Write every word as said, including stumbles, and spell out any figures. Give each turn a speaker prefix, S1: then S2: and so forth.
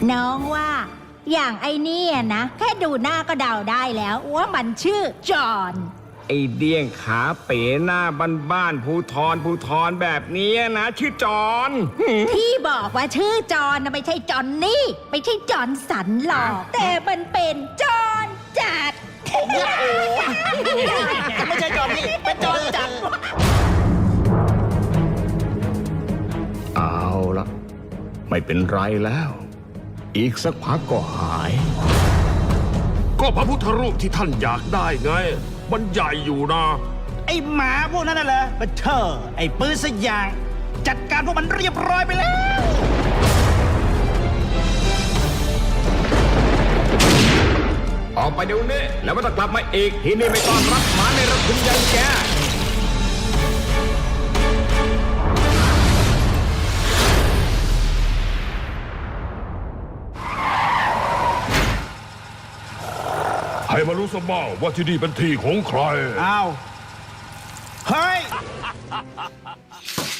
S1: น้องว่าอย่างไอ้นี่นะแค่ดูหน้าก็เดาได้แล้วว่ามันชื่อจอห์น
S2: ไอเดี้ยงขาเป๋หน้าบ้านๆภูทรภูทรแบบนี้นะชื่อจอน
S1: ที่บอกว่าชื่อจอห์นนะไม่ใช่จอนนี่ไม่ใช่จอห์นสันหรอกแต่มันเป็นจอห์นจัด
S3: ไม่ใช่จอนนี่เป็นจอนจัด
S2: เอาละไม่เป็นไรแล้ว อีกสักพักก็หาย
S4: ก็พระพุทธรูปที่ท่านอยากได้ไงมันใหญ่อยู่นะ
S3: ไอ้หมาพวกนั้นน่ะเหรอบัเทอร์ไอ้ปืนสยางจัดการพวกมันเรียบร้อยไปแล้ว
S2: ออกไปเดี๋ยวนี้แล้วไม่ต้องกลับมาอีกที่นี่ไม่ต้อนรับหมาในระทุนยังแก
S4: ให้มารู้สบ้างว่าที่นี่เป็นที่ของใคร
S3: อ้าว เฮ้ย